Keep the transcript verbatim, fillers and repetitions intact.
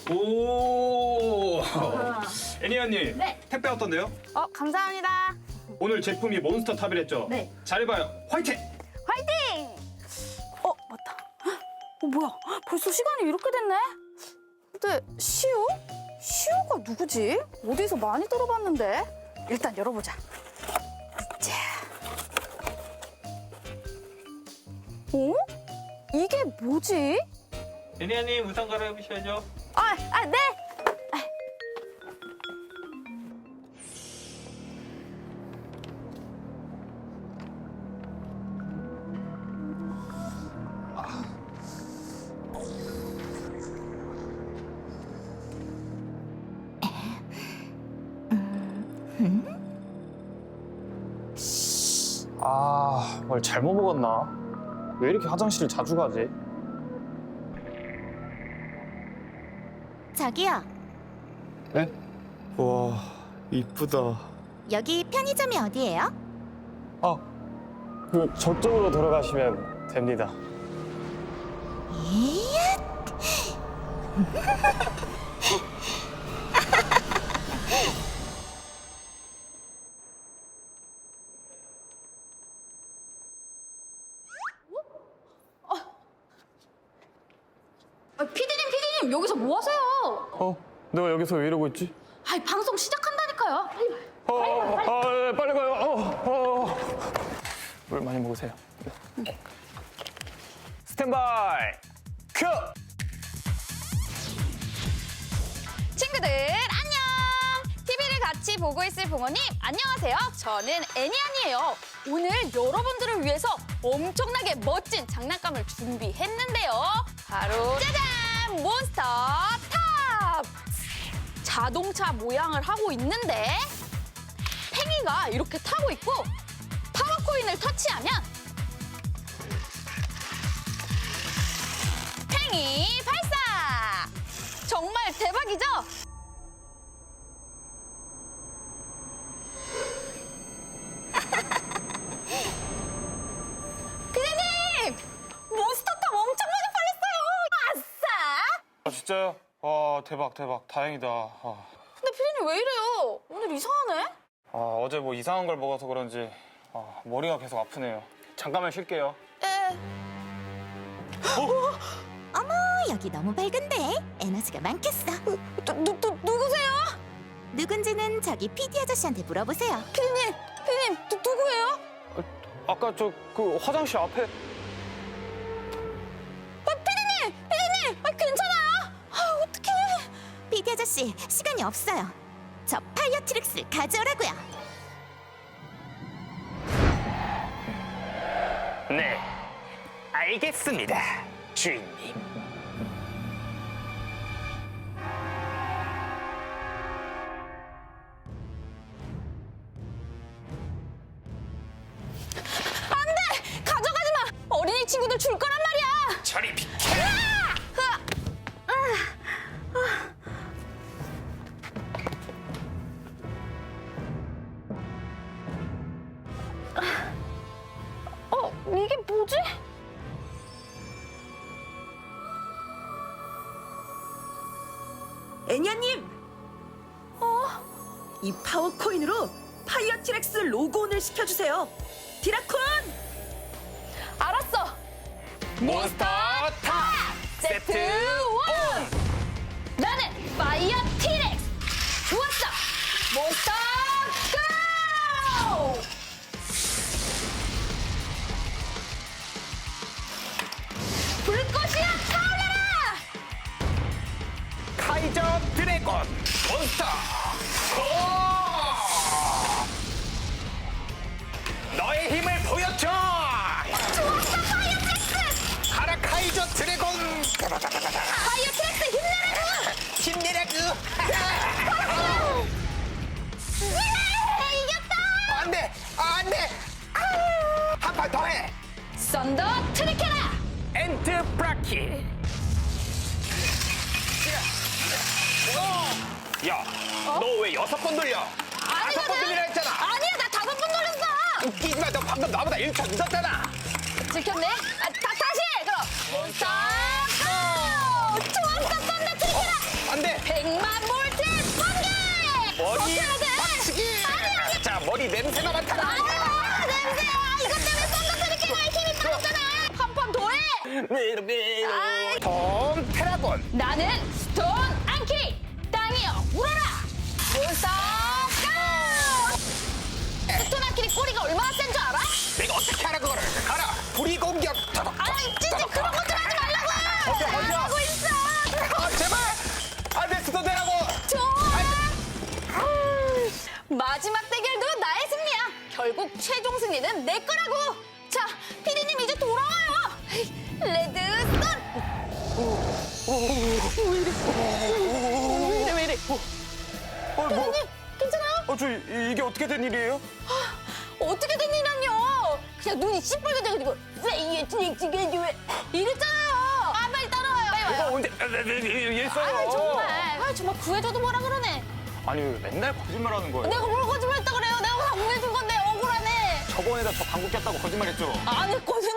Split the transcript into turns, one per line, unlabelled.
오. 애니언님.
네.
택배 어떤데요?
어, 감사합니다.
오늘 제품이 몬스터 탑이랬죠?
네.
잘해봐요. 화이팅!
화이팅! 어, 맞다. 어, 뭐야? 벌써 시간이 이렇게 됐네? 근데 시우? 시우가 누구지? 어디서 많이 들어봤는데? 일단 열어보자. 자. 어? 이게 뭐지?
애니언님 우산 갈아입으셔야죠.
아, 아, 네!
아, 뭘 잘못 먹었나? 왜 이렇게 화장실을 자주 가지?
저기요,
네? 와, 이쁘다.
여기 편의점이 어디예요?
아, 그 저쪽으로 돌아가시면 됩니다.
이야,
아, 피디님, 피디님, 여기서 뭐 하세요?
어? 내가 여기서 왜 이러고 있지?
아이, 방송 시작한다니까요. 빨리 와요.
어, 어, 아, 네, 빨리 가요. 어, 어. 물 많이 먹으세요. 스탠바이 큐!
친구들 안녕! 티비를 같이 보고 있을 부모님 안녕하세요. 저는 애니안이에요. 오늘 여러분들을 위해서 엄청나게 멋진 장난감을 준비했는데요. 바로 짜잔! 몬스터 탑! 자동차 모양을 하고 있는데 팽이가 이렇게 타고 있고 파워코인을 터치하면 팽이 발사! 정말 대박이죠? 피디님! 몬스터탑 엄청 많이 팔렸어요! 아싸!
아, 진짜요? 와, 대박, 대박. 다행이다. 아,
근데 피디님 왜 이래요? 오늘 이상하네?
아, 어제 뭐 이상한 걸 먹어서 그런지 아, 머리가 계속 아프네요. 잠깐만 쉴게요.
에...
어머, 여기 너무 밝은데 에너지가 많겠어.
누, 누, 누, 누구세요?
누군지는 저기 피디 아저씨한테 물어보세요.
피디님! 피디님! 누, 누구예요?
아까 저 그 화장실 앞에
아, 피디님! 피디님! 아, 괜찮아요? 아, 어떡해!
피디 아저씨, 시간이 없어요. 저 파이어 트릭스를 가져오라고요.
네, 알겠습니다, 주인님.
가져가지 마! 어린이 친구들 줄 거란 말이야!
저리 비켜!
어, 이게 뭐지?
애니아님! 어? 이 파워코인으로 파이어 티렉스 로그온을 시켜주세요. 디라콘!
알았어!
몬스터 탑!
세트 원! 나는 파이어 티렉스! 좋았어! 몬스터 고! 불꽃이야 타올라라!
카이저 드래곤 몬스터 고! 너의 힘을 보여줘!
좋았어 파이어 트렉스!
가라 카이저 드래곤!
파이어 트렉스 힘내라고!
힘내라구!
예! 이겼다!
안돼! 안돼! 한 판 더 해!
썬더 트리케라!
엔트 브라키! 야, 너 왜 여섯 번 돌려? 다섯 번 돌리라 했잖아!
아니야 나 다섯 번 돌렸어!
웃기지 마, 너 방금 나보다 일 초 늦었잖아!
들켰네? 아, 다, 다시! 그럼 몬스터 고! 좋았어 썬더 트리케라!
안 톰 테라곤.
나는 스톤 안키. 땅이여 울어라. 몬스터 고! 스톤 안키리 꼬리가 얼마나 센 줄 알아?
내가 어떻게 알아 그거를. 가라. 불이 공격.
아니 진짜 그런 것 좀 하지 말라고.
버텨, 버텨.
잘하고 있어.
아, 제발. 안돼 스톤 테라곤.
좋아. 마지막 대결도 나의 승리야. 결국 최종 승리는 내 거라고. 자, 피디님 이제 돌아와요. 레드 스톤. 왜 이래? 왜 이래? 왜 이래?
어, 뭐,
피디님 괜찮아요?
어, 저 이- 이게 어떻게 된 일이에요?
어떻게 된 일이란요? 그냥 눈이 시뻘개져가지고 왜 이랬잖아요. 아 빨리 따라와요. 빨리
내가
와요.
언제 얘했어요?
아 정말. 아 정말 구해줘도 뭐라 그러네.
아니 왜 맨날 거짓말하는 거예요?
내가 뭘 거짓말했다 그래요? 내가 다 구해준 건데 억울하네.
저번에다 저 방구 꼈다고 거짓말했죠?
안 했거든.